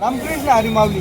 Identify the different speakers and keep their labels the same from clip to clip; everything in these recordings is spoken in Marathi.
Speaker 1: रामकृष्ण हरी माऊली.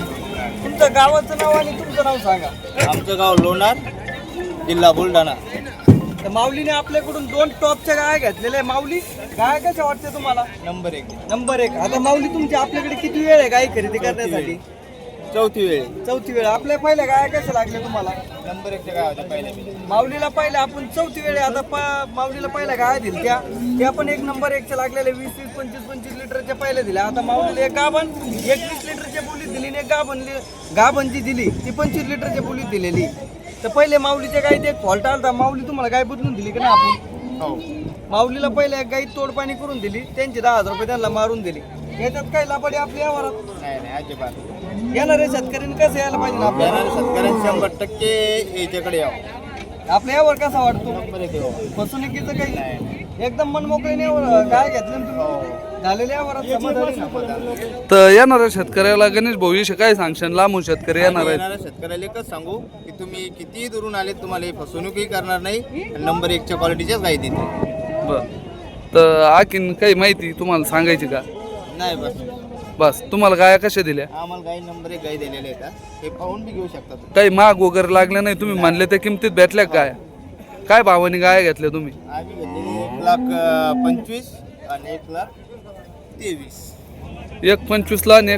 Speaker 1: तुमचं गावाचं नाव आणि तुमचं नाव सांगा.
Speaker 2: आमचं गाव लोणार, जिल्हा बुलढाणा.
Speaker 1: तर माऊलीने आपल्याकडून 2 टॉपच्या गाया घेतलेल्या आहे. माऊली गाय कशा वाटते तुम्हाला?
Speaker 2: नंबर 1.
Speaker 1: नंबर 1. आता माऊली तुमची आपल्याकडे किती वेळ आहे गाय खरेदी करण्यासाठी?
Speaker 2: चौथी वेळ.
Speaker 1: चौथी वेळ. आपल्या पहिल्या गाया कशा लागल्या तुम्हाला?
Speaker 2: नंबर 1च्या गावाच्या पहिल्या.
Speaker 1: माऊलीला पहिल्या आपण चौथी वेळ आहे. आता माऊलीला पहिल्या गाया दिल्या त्या पण 1 नंबर 1च्या लागलेल्या 20-20, 25-25 लिटरच्या पहिल्या दिल्या. आता माऊलीला एक गाभण 21 लिटरच्या बोलीत दिली आणि एक गाभण जी दिली ती 25 लिटरच्या बोलीत दिलेली. तर पहिले माऊलीच्या गाईत एक फॉल्ट आला. माऊली तुम्हाला गाय बदलून दिली का ना आपण?
Speaker 2: हो.
Speaker 1: माऊलीला पहिले एक गाई तोडपाणी करून दिली, त्यांचे 10,000 रुपये त्यांना मारून दिली. याच्यात काही लापडी आपल्या यावरात
Speaker 2: नाही अजिबात.
Speaker 1: येणाऱ्या शेतकऱ्यांनी कसं यायला पाहिजे ना आपल्याला?
Speaker 2: शेतकऱ्यांनी 100% याच्याकडे यावं.
Speaker 1: आपल्या यावर कसा वाटतो?
Speaker 2: नंबर 1 यावं.
Speaker 1: फसवणुकीचं काही एकदम मनमोकळीने काय घेतलं ना तुम्ही झालेल्या यावरात समाधानी ना?
Speaker 3: तर येणाऱ्या शेतकऱ्याला गणेश भाऊविषयी काय सांगशान? लांबून शेतकरी येणार आहेत.
Speaker 2: येणाऱ्या शेतकऱ्याला एकच सांगू की तुम्ही कितीही दुरून आले तुम्हाला ही फसवणूकही करणार नाही आणि नंबर 1च्या क्वालिटीच्याच गाई देते.
Speaker 3: बर. तर आणखीन काही माहिती तुम्हाला सांगायची का?
Speaker 2: नाही
Speaker 3: बस तुम्हाला गाया कशा दिल्या?
Speaker 2: आम्हाला गाई नंबर 1 गाई दिलेले आहेत. हे पाहून बी घेऊ शकता तुम्ही.
Speaker 3: काही महाग वगैरे लागल्या नाही? तुम्ही म्हणले त्या किमतीत भेटल्या का गाया? काय भावाने गाया घेतल्या तुम्ही?
Speaker 2: आम्ही घेतलेली 1,25,000 आणि 1,23,000.
Speaker 3: 1,25,000 आणि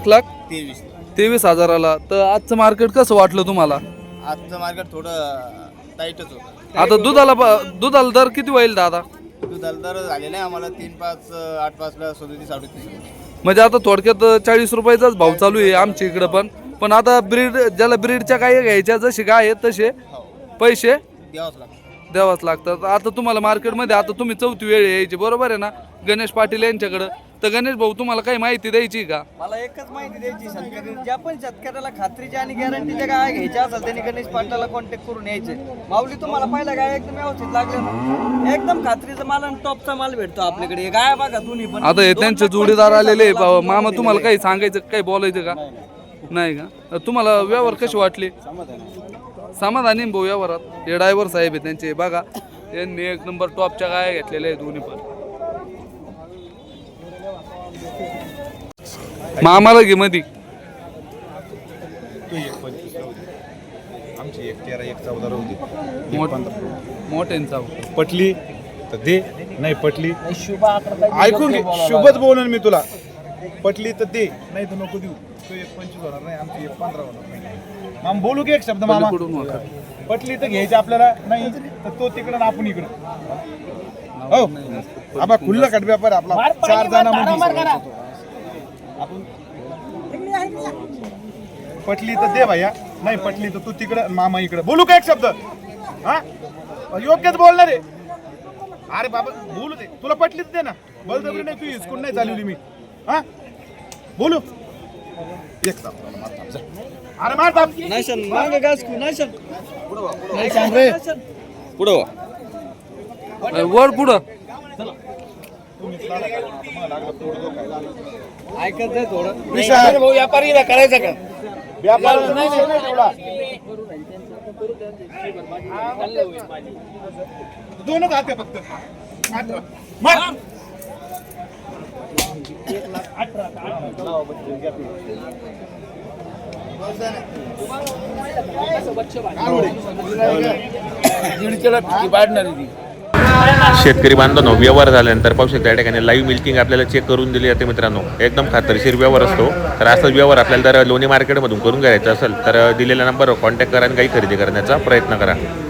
Speaker 3: 1,23,000. तर आजचं मार्केट कसं वाटलं तुम्हाला?
Speaker 2: आजचं मार्केट थोडं टाईटच होतं.
Speaker 3: आता दुधाला दर किती होईल दादा?
Speaker 2: दुधाला दर झालेला आहे आम्हाला 3,500, 8,500, 37-38.
Speaker 3: म्हणजे आता थोडक्यात 40 रुपयाचाच भाव चालू आहे आमच्या इकडं पण आता ज्याला ब्रीडच्या गाय घ्यायच्या जशी गाय आहेत तसे पैसे द्यावाच लागतात. आता तुम्हाला मार्केटमध्ये आता तुम्ही चौथी वेळ यायची बरोबर आहे ना गणेश पाटील यांच्याकडं? तर गणेश भाऊ तुम्हाला काही माहिती द्यायची का?
Speaker 1: मला एकच माहिती द्यायची, शेतकरी ज्या पण शेतकऱ्याला खात्रीच्या आणि गॅरंटीच्या गाय घ्यायच्या असेल त्यांनी गणेश पाटलाला कॉन्टॅक्ट करून यायचे. माऊली तुम्हाला पहिला गाय एकदम व्यवस्थित लागले ना, एकदम खात्रीचा माल आणि टॉपचा माल भेटतो आपल्याकडे. गाय बघा दोन्ही पण.
Speaker 3: आता हे त्यांचे जोडीदार आलेले मामा, तुम्हाला काही सांगायचं काही बोलायचं का? नाही का? तुम्हाला व्यवहार कशी वाटली? समाधानी भाऊ व्यवहारात? हे ड्रायव्हर साहेब आहे त्यांचे बघा, यांनी 1 नंबर टॉपच्या गाया घेतलेल्या आहे दोन्ही पण. मामाला घे मधी.
Speaker 4: आमची 1,13, 1,14 होती.
Speaker 3: मोठ्यांचा
Speaker 4: पटली तर दे, नाही पटली ऐकून घे. शुभच बोलून मी तुला. पटली तर दे, नाही तर नको देऊ. तो 1,25 होणार नाही, आमची 1,15 होणार नाही. मामा बोलू की एक शब्द मामा? पटली तर घ्यायची आपल्याला, नाही तर तो तिकडं आपण इकडं. हो आबा खुल्ला कट व्यापार आपला 4 जणांमध्ये. आपण पटली तर दे भैया, नाही पटली तर तू तिकडं मामा इकडं. बोलू का एक शब्द? हा योग्यच बोलणार आहे. अरे बाबा बोलू दे. तुला पटली तर दे ना. बळजबरी नाही, तू हिसकून नाही चालवली मी. हा बोलू एक ताप. अरे मार ताप.
Speaker 1: नाशन मागे गासकू नाशन
Speaker 2: पुढं
Speaker 3: वर पुढं
Speaker 1: ऐकत आहे थोडं.
Speaker 2: व्यापारी करायचं का?
Speaker 4: व्यापार नाही तेवढा. दोनच हात आहे फक्त. मार.
Speaker 5: शेतकरी बांधवांनो, व्यवहार झाल्यानंतर पाहू शकता या ठिकाणी लाईव्ह मिल्किंग आपल्याला चेक करून दिली जाते मित्रांनो. एकदम खात्रीशीर व्यवहार असतो. तर असाच व्यवहार आपल्याला जर लोणी मार्केटमधून करून घ्यायचा असेल तर दिलेल्या नंबरवर कॉन्टॅक्ट करा आणि काही खरेदी करण्याचा प्रयत्न करा.